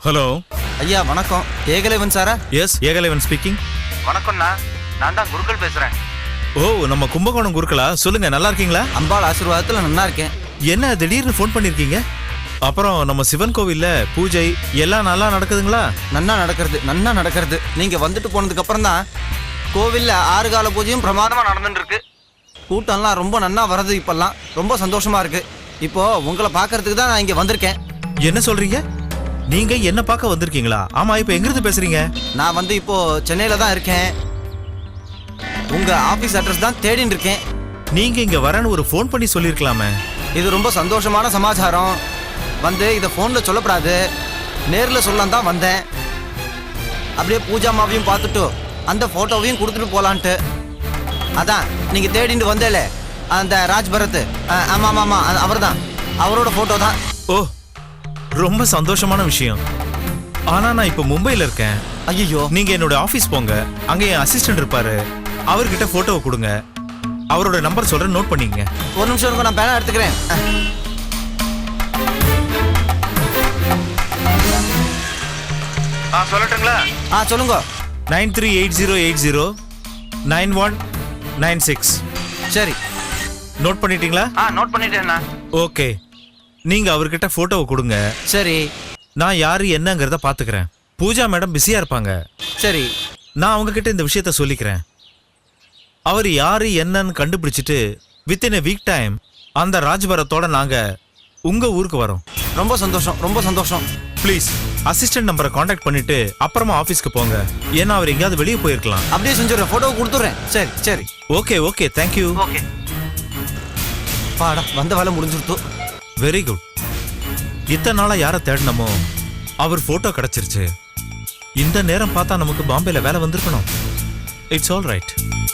Hello ஐயா வணக்கம். ஏகலைவன் சாரா? Yes, Ekalaivan speaking. வணக்கம்ண்ணா, நான் தான் குருக்கள் பேசுறேன். ஓ, நம்ம கும்பகோணம் குருக்களா? சொல்லுங்க, நல்லா இருக்கீங்களா? அம்பாள் ஆசீர்வாதத்துல நல்லா இருக்கேன். என்ன திடீர்னு ஃபோன் பண்ணிருக்கீங்க? அப்புறம் நம்ம சிவன் கோவில்ல பூஜை எல்லாம் நல்லா நடக்குதுங்களா? நன்னா நடக்கிறது. நீங்க வந்துட்டு போனதுக்கு அப்புறம் தான் கோவில்ல 6 கால பூஜையும் பிரமாதமா நடந்துட்டு இருக்கு. கூட்டம்லாம் ரொம்ப நன்னா வர்றது. இப்பெல்லாம் ரொம்ப சந்தோஷமா இருக்கு. இப்போ உங்களை பாக்குறதுக்கு தான் நான் இங்க வந்திருக்கேன். என்ன சொல்றீங்க? நீங்க என்ன பார்க்க வந்திருக்கீங்களா? ஆமா, இப்ப எங்க இருந்து பேசுறீங்க? நான் வந்து இப்போ சென்னையில தான் இருக்கேன். உங்க ஆபீஸ் அட்ரஸ் தான் தேடின்னு இருக்கேன். நீங்க இங்க வரேன்னு ஒரு ஃபோன் பண்ணி சொல்லிருக்கலாமே. இது ரொம்ப சந்தோஷமான சமாச்சாரம். வந்து இதை ஃபோன்ல சொல்லப்படாது, நேர்ல சொல்லலாம் தான் வந்தேன். அப்படியே பூஜாமாவையும் பார்த்துட்டு அந்த போட்டோவையும் கொடுத்துட்டு போலான்ட்டு. அதான் நீங்க தேடிட்டு வந்தேல அந்த ராஜ் பரத். ஆமா, அவர் தான். அவரோட போட்டோ தான். ஓ, ரொம்ப சந்தோஷமான விஷயம். ஆனா நான் இப்ப மும்பைல இருக்கேன். ஐயோ, நீங்க என்னோட ஆபீஸ் போங்க. அங்க என் அசிஸ்டன்ட் இருப்பாரு. அவர்கிட்ட போட்டோவை கொடுங்க. அவரோட நம்பர் சொல்றேன், நோட் பண்ணிக்கங்க. ஒரு நிமிஷம் இருங்க, நான் பேனா எடுத்துக்கிறேன். சொல்லட்டுங்களா? சொல்லுங்க. 9380809196. சரி, நோட் பண்ணிட்டீங்களா? நோட் பண்ணிட்டேண்ணா. ஓகே, நீங்க அவர்கிட்ட போட்டோவை கொடுங்க. சரி, நான் யாரு என்னங்கறத பாத்துக்கிறேன். பூஜா மேடம் பிஸியா இருப்பாங்க. சரி, நான் அவங்க கிட்ட இந்த விஷயத்த சொல்லிக்கிறேன். அவர் யாரு என்னன்னு கண்டுபிடிச்சிட்டு வித்தின் a வீக் டைம் அந்த ராஜ்பரத்தோட நாங்க உங்க ஊருக்கு வரோம். ரொம்ப சந்தோஷம். ப்ளீஸ் அசிஸ்டன்ட் நம்பரை காண்டாக்ட் பண்ணிட்டு அப்புறமா ஆபீஸ்க்கு போங்க. ஏன்னா அவர் எங்கேயாவது வெளியே போயிருக்கலாம். அப்படியே செஞ்சுடுறேன், போட்டோ கொடுத்துட்றேன். சரி. Okay, thank you. ஓகே, பாடா வந்த வேலை முடிஞ்சுடுத்து. Very good. இத்தனை நாளா யாரை தேடினமோ அவர் போட்டோ கிடைச்சிருச்சு. இந்த நேரம் பார்த்தா நமக்கு பாம்பேல வேலை வந்திருக்கணும். It's all right.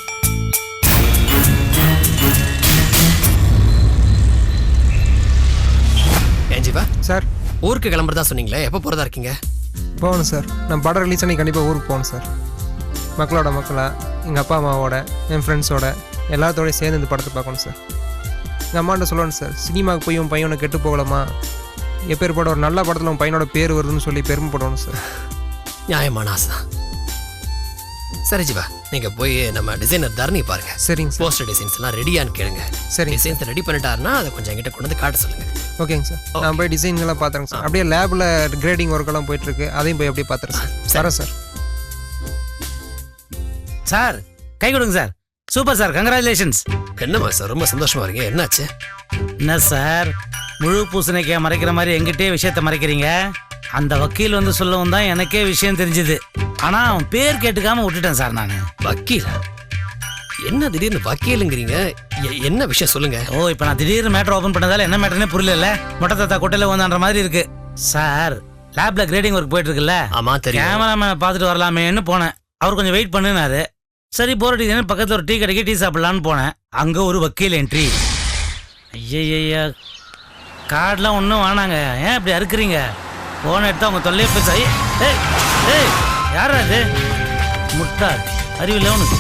ஏஞ்சிவா சார், ஊருக்கு கிளம்புறதா சொன்னீங்களே, எப்போ போகிறதா இருக்கீங்க? போகணும் சார். நான் படம் ரிலீஸ் பண்ணி கண்டிப்பாக ஊருக்கு போகணும் சார். மக்களா எங்கள் அப்பா அம்மாவோட, என் ஃப்ரெண்ட்ஸோட எல்லாத்தோடய சேர்ந்து இந்த படத்தை பார்க்கணும் சார். எங்கள் அம்மாட்ட சொல்லணும் சார், சினிமாவுக்கு போய் உன் பையனை கெட்டு போகலாமா, எப்பேற்பட ஒரு நல்ல படத்தில் உன் பையனோட பேர் வருதுன்னு சொல்லி பெருமைப்படணும் சார். நியாயமான ஆசை தான். சரி ஜிவா, நீங்கள் போய் நம்ம டிசைனர் தரணி பாருங்க. சரிங்க சார். போஸ்டர் டிசைன்ஸ்லாம் ரெடியான்னு கேளுங்க. சரிங்க. டிசைன்ஸ் ரெடி பண்ணிட்டாருன்னா அதை கொஞ்சம் என்கிட்ட கொண்டு வந்து காட்ட சொல்லுங்கள். ஓகேங்க சார். நான் போய் டிசைன்லாம் பார்த்துறேங்க சார். அப்படியே லேபில் கிரேடிங் ஒர்க்கெல்லாம் போயிட்டுருக்கு, அதையும் போய் அப்படியே பார்த்துறேன் சார். வரேன் சார். சார், கை கொடுங்க சார். Super sir, congratulations. என்னம்மா சார், ரொம்ப சந்தோஷமா இருக்கீங்க. என்னாச்சு? என்ன சார், முழு பூசணிக்காய் மறைக்கிற மாதிரி எங்கிட்டே விஷயத்த மறைக்கிறீங்க? அந்த வக்கீல் வந்து சொல்லவும் தான் எனக்கே விஷயம் தெரிஞ்சுது. ஆனா அவன் பேர் கேட்டுக்காம விட்டுட்டேன் சார் நான். வக்கீலா? என்ன திடீர்னு வக்கீலுங்கிறீங்க? என்ன விஷயம் சொல்லுங்க. ஓ, இப்போ நான் திடீர்னு மேட்டர் ஓபன் பண்ணதால என்ன மேட்டர்னே புரியல. மொட்டை தாத்தா கொட்டையில வந்தான்ற மாதிரி இருக்கு சார். லேப்ல கிரேடிங் ஒர்க் போயிட்டு இருக்குல்ல. ஆமா தெரியும். கேமராமேனை பார்த்துட்டு வரலாமேன்னு போனேன். அவர் கொஞ்சம் வெயிட் பண்ணுனாரு. சரி, போர் அடிக்குதுன்னு பக்கத்துல ஒரு டீ கடைக்கு டீ சாப்பிடலான்னு போனேன். அங்க ஒரு வக்கீல் என்ட்ரி. ஐயா, கார்டெலாம் ஒன்றும் வேணாங்க. ஏன் இப்படி அறுக்குறீங்க? போன எடுத்து அவங்க தொல்லையே பேச. ஏய், யாரா இது? முட்டாள், அறிவில்லை உனக்கு.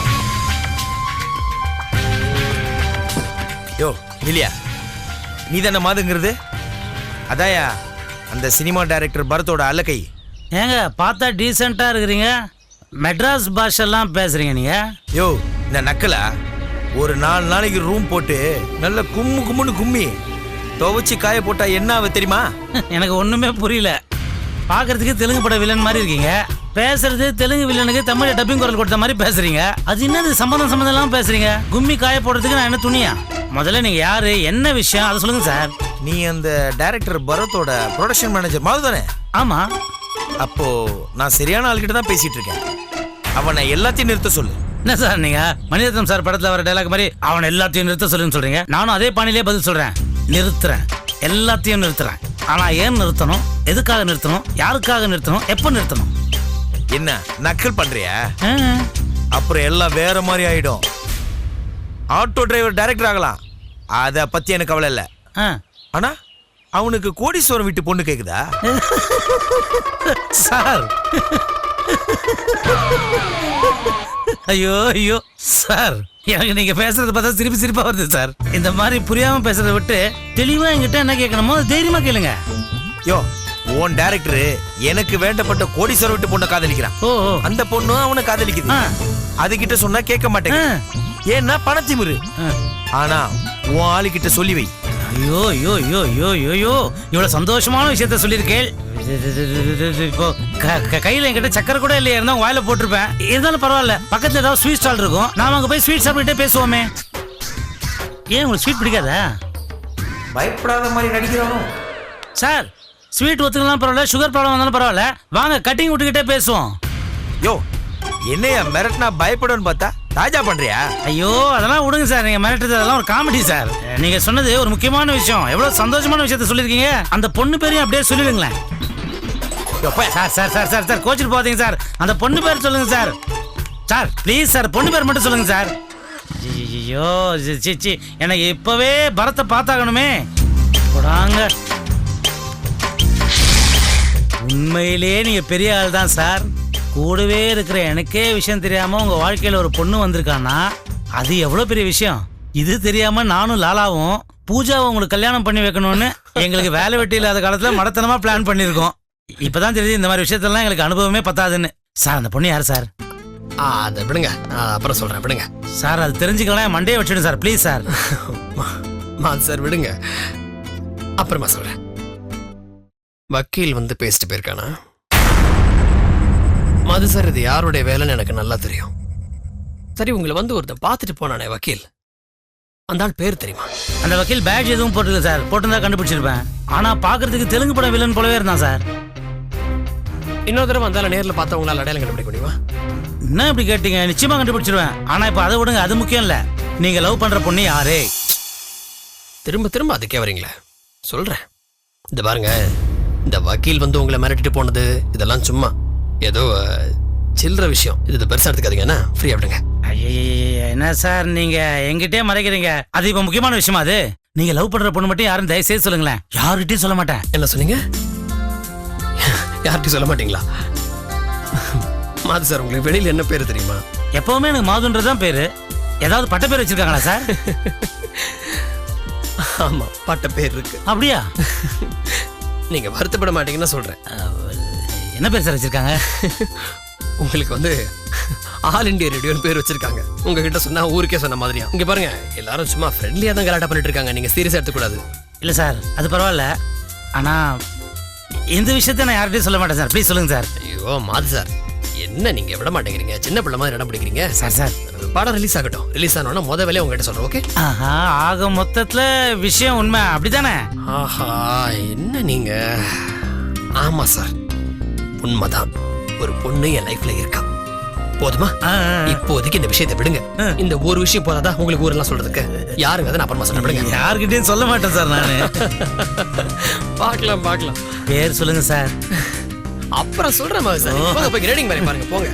யோ இல்லையா, நீ தானே மாதுங்கிறது? அதாயா அந்த சினிமா டைரக்டர் பரத்தோட அல்லக்கை. ஏங்க பார்த்தா டீசெண்டா இருக்கிறீங்க, மெட்ராஸ் பாஷெல்லாம் பேசுறீங்க நீங்க. யோ, இந்த நக்கலா ஒரு 4 நாளைக்கு ரூம் போட்டு நல்ல கும்முன்னு கும்மி துவச்சி காய போட்டா என்ன ஆகுது தெரியுமா? எனக்கு ஒண்ணுமே புரியல. பாக்குறதுக்கு தெலுங்கு பட வில்லன் மாதிரி இருக்கீங்க, பேசுறது தெலுங்கு வில்லனுக்கு தமிழ் டப்பிங் குரல் கொடுத்த மாதிரி பேசுறீங்க. அது என்னது சம்பந்தம் எல்லாம் பேசுறீங்க? கும்மி காய போடுறதுக்கு நான் என்ன துணியா? முதல்ல நீங்க யாரு, என்ன விஷயம் அதை சொல்லுங்க சார். நீ அந்த டைரக்டர் பரத்தோட ப்ரொடக்ஷன் மேனேஜர் மாது தானே? ஆமா. அப்போ நான் சரியான ஆள்கிட்ட தான் பேசிட்டு இருக்கேன். அவனை எல்லாத்தையும் நிறுத்த சொல்லு. என்ன சார் நீங்க மணிரத்னம் சார் படத்துல வர டைலாக் மாதிரி அவன் எல்லாத்தையும் நிறுத்த சொல்லுன்னு சொல்றீங்க? நானும் அதே பாணியிலே பதில் சொல்றேன். நிறுத்துறேன், எல்லாத்தையும் நிறுத்துறேன். ஆனா ஏன் நிறுத்தணும், எதுக்காக நிறுத்தணும், யாருக்காக நிறுத்தணும், எப்ப நிறுத்தணும்? என்ன நக்கல் பண்றியா? அப்புறம் எல்லாம் வேற மாதிரி ஆயிடும். ஆட்டோ டிரைவர் டைரக்டர் ஆகலாம், அத பத்தி எனக்கு கவலை இல்ல. ஆனா அவனுக்கு கோடீஸ்வரம் வீட்டு பொண்ணு கேக்குதா? சார், ஐயோ சார், எனக்கு நீங்க பேசுறது பார்த்தா சிரிப்பா வருது சார். இந்த மாதிரி புரியாம பேசுறதை விட்டு தெளிவா என்கிட்ட என்ன கேட்கணுமோ தைரியமா கேளுங்க. யோ, உன் டைரக்டர் எனக்கு வேண்டப்பட்ட கோடீஸ்வரர் வீட்டு பொண்ணை காதலிக்கிறான். ஓ ஓ. அந்த பொண்ணும் அவனை காதலிக்குது. அதுகிட்ட சொன்னா கேட்க மாட்டேங்க, ஏன்னா பணத்திமிரு. ஆனா உன் ஆளுகிட்ட சொல்லி வை. ஐயோ ஐயோ ஐயோ ஐயோ ஐயோ, இவ்வளவு சந்தோஷமான விஷயத்த சொல்லியிருக்கேன். இப்போ கையில என்கிட்ட சக்கரை கூட இல்லையா, இருந்தா வாயில போட்டிருப்பேன். இருந்தாலும் பரவாயில்ல, பக்கத்துல ஏதாவது ஸ்வீட் ஸ்டால் இருக்கும், நாம அங்க போய் ஸ்வீட் சாப்பிட்டுட்டே பேசுவோமே. ஏன் உங்களுக்கு ஸ்வீட் பிடிக்காதா? பயப்படாத மாதிரி நடிக்கிறானோ சார், ஸ்வீட் ஒத்துக்கலாம் பரவாயில்ல, சுகர் ப்ராப்ளம் வந்தாலும் பரவாயில்ல, வாங்க கட்டிங் விட்டுக்கிட்டே பேசுவோம். யோ, என்னையா மிரட்டினா பயப்படுன்னு பார்த்தா தாஜா பண்றியா? ஐயோ அதெல்லாம் விடுங்க சார், நீங்க மிரட்டுறது அதெல்லாம் ஒரு காமெடி சார். நீங்க சொன்னது ஒரு முக்கியமான விஷயம், எவ்வளவு சந்தோஷமான விஷயத்த சொல்லியிருக்கீங்க. அந்த பொண்ணு பேரையும் அப்படியே சொல்லிடுங்களேன். Sir sir sir sir sir கோச்சிட்டு போதீங்க சார், அந்த பொண்ணு பேர் சொல்லுங்க சார். சார் ப்ளீஸ் சார், பொண்ணு பேர் மட்டும் சொல்லுங்க சார். ஐயோ சி, எனக்கு இப்பவே பரத்தை பார்த்தாகணுமே. போடாங்க. உண்மையிலே நீங்க பெரிய ஆள் தான் சார். கூடவே இருக்கிற எனக்கே விஷயம் தெரியாம உங்க வாழ்க்கையில ஒரு பொண்ணு வந்திருக்கான்னா அது எவ்வளவு பெரிய விஷயம். இது தெரியாம நானும் லாலாவும் பூஜாவை உங்களுக்கு கல்யாணம் பண்ணி வைக்கணும்னு எங்களுக்கு வேலை வெட்டி இல்லாத காலத்துல மடத்தனமா பிளான் பண்ணிருக்கோம். இப்பதான் தெரியுது இந்த மாதிரி விஷயத்தெல்லாம் எங்களுக்கு அனுபவமே பத்தாதுன்னு. சார் அந்த பொண்ணு யாரு சார்? அதை விடுங்க, அப்புறம் சொல்றேன், விடுங்க சார். அது தெரிஞ்சுக்கலாம், மண்டே வச்சிடும் சார் ப்ளீஸ் சார். சார் விடுங்க, அப்புறமா சொல்றேன். வக்கீல் வந்து பேசிட்டு போயிருக்கானா? மது சார், இது யாருடைய வேலைன்னு எனக்கு நல்லா தெரியும். சரி, உங்களை வந்து ஒருத்தன் பார்த்துட்டு போனானே வக்கீல், அந்த ஆள் பேர் தெரியுமா? அந்த வக்கீல் பேட்ச் எதுவும் போட்டுருக்கு சார், போட்டுருந்தா கண்டுபிடிச்சிருப்பேன். ஆனா பாக்குறதுக்கு தெலுங்கு படம் வில்லன் போலவே இருந்தான் சார். இன்னொரு தடவை வந்தாலும் நேரில் பார்த்தா உங்களால் அடையாளம் கண்டுபிடிக்க முடியுமா? என்ன இப்படி கேட்டீங்க? நிச்சயமா கண்டுபிடிச்சிருவேன். ஆனா இப்ப அதை விடுங்க, அது முக்கியம் இல்ல. நீங்க லவ் பண்ற பொண்ணு யாரு? திரும்ப திரும்ப அதுக்கே வரீங்களே. சொல்றேன், இந்த பாருங்க, இந்த வக்கீல் வந்து உங்களை மிரட்டிட்டு போனது இதெல்லாம் சும்மா ஏதோ சில்லற விஷயம். இது பெருசா எடுத்துக்காதீங்கன்னா ஃப்ரீயா விடுங்க. என்ன சார் நீங்க எங்கிட்டே மறைக்கிறீங்க? அது இப்ப முக்கியமான விஷயமா? அது நீங்க லவ் பண்ற பொண்ணு மட்டும் யாரும் தயவு செய்து சொல்லுங்களேன். யார்கிட்டயும் சொல்ல மாட்டேன். என்ன சொன்னீங்க? யார்கிட்டயும் சொல்ல மாட்டீங்களா? மாது சார், உங்களுக்கு வெளியில என்ன பேரு தெரியுமா? எப்பவுமே எனக்கு மாதுன்றதான் பேரு. ஏதாவது பட்ட பேர் வச்சிருக்காங்களா சார்? ஆமா, பட்ட பேர் இருக்கு. அப்படியா? நீங்க வருத்தப்பட மாட்டீங்கன்னா சொல்றேன். என்ன பேர் சார் வச்சிருக்காங்க? உங்களுக்கு வந்து ஆல் இண்டியா ரேடியோன்னு பேர் வச்சிருக்காங்க. உங்ககிட்ட சொன்னா ஊருக்கே சொன்ன மாதிரியா. இங்க பாருங்க, எல்லாரும் சும்மா ஃப்ரெண்ட்லியா தான் கலாட்டா பண்ணிட்டு இருக்காங்க, நீங்க சீரியஸா எடுத்துக்கூடாது. இல்ல சார், அது பரவாயில்ல. ஆனா இந்த விஷயத்த நான் யார்கிட்டயும் சொல்ல மாட்டேன் சார். ப்ளீஸ் சொல்லுங்க சார். ஐயோ மாது சார், என்ன நீங்க விட மாட்டேங்கிறீங்க? சின்ன பிள்ளை மாதிரி இடம் பிடிக்கிறீங்க. சார் படம் ரிலீஸ் ஆகட்டும். ரிலீஸ் ஆனோன்னா முத வேலையை உங்ககிட்ட சொல்றேன், ஓகே? ஆஹா, ஆக மொத்தத்துல விஷயம் உண்மை அப்படித்தானே? ஆஹா, என்ன நீங்க? ஆமா சார், உண்மைதான். ஒரு பொண்ணு என் லைஃப்ல இருக்கா. போதுமா? இப்போதைக்கு இந்த விஷயத்தை விடுங்க. இந்த ஒரு விஷயம் போதாதா உங்களுக்கு ஊரெல்லாம் சொல்றதுக்கு? யாருங்க? அதை அப்புறமா சொல்ல விடுங்க. யாருக்கிட்டையும் சொல்ல மாட்டேன் சார் நானு. பார்க்கலாம். பேர் சொல்லுங்க சார். அப்புறம் சொல்றேன் சார். போங்க, போய் கிரேடிங் மாதிரி பாருங்க, போங்க.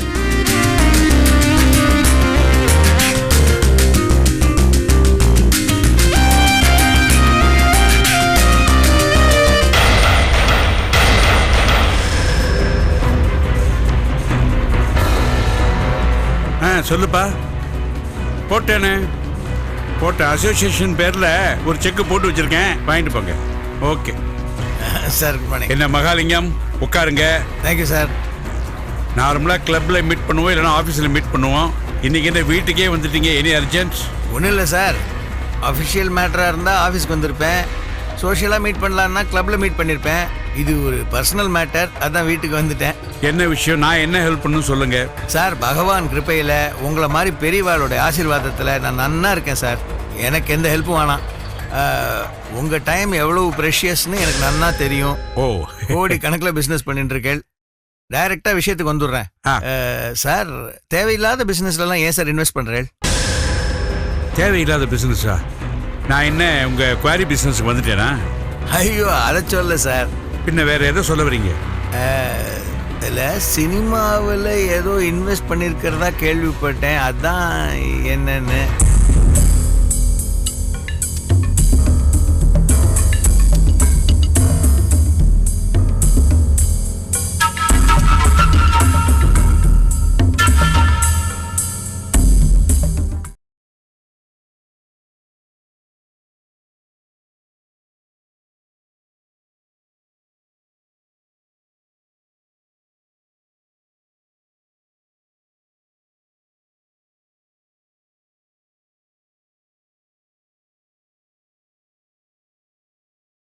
சொல்லுப்பா. போட்டேனே, போட்ட அசோசியேஷன் பேர்ல ஒரு செக் போட்டு வச்சிருக்கேன், வாங்கிட்டு போங்க. Okay sir. என்ன மகாலிங்கம், உட்காருங்க. Thank you sir. நார்மலா கிளப்ல மீட் பண்ணுவோம், இல்லைன்னா ஆஃபீஸில் மீட் பண்ணுவோம். இன்னைக்கு என்ன வீட்டுக்கே வந்துட்டீங்க? Any urgent? ஒன்றும் இல்லை சார். அஃபிஷியல் மேட்டராக இருந்தால் ஆஃபீஸ்க்கு வந்திருப்பேன். சோஷியலாக மீட் பண்ணலான்னா கிளப்பில் மீட் பண்ணியிருப்பேன். இது ஒரு பர்சனல் மேட்டர், அதான் வீட்டுக்கு வந்துட்டேன். என்ன விஷயம்? நான் என்ன ஹெல்ப் பண்ணணும் சொல்லுங்க. சார், பகவான் கிருப்பையில் உங்களை மாதிரி பெரியவாளோட ஆசீர்வாதத்தில் நான் நன்னா இருக்கேன் சார். எனக்கு எந்த ஹெல்ப்பும் வேணாம். உங்கள் டைம் எவ்வளவு ப்ரெஷியஸ்னு எனக்கு நன்னா தெரியும். கோடி கணக்கில் பிஸ்னஸ் பண்ணிட்டு இருக்கேன். டைரெக்டாக விஷயத்துக்கு வந்துடுறேன். சார், தேவையில்லாத பிஸ்னஸ்லாம் ஏன் சார் இன்வெஸ்ட் பண்ணுறேன்? தேவையில்லாத பிஸ்னஸா? நான் என்ன உங்கள் குவாரி பிஸ்னஸுக்கு வந்துட்டேனா? ஐயோ, அதை சொல்ல சார். பின்ன வேற எதோ சொல்ல வரீங்க? இல்லை, சினிமாவில் ஏதோ இன்வெஸ்ட் பண்ணியிருக்கிறதா கேள்விப்பட்டேன், அதான் என்னன்னு.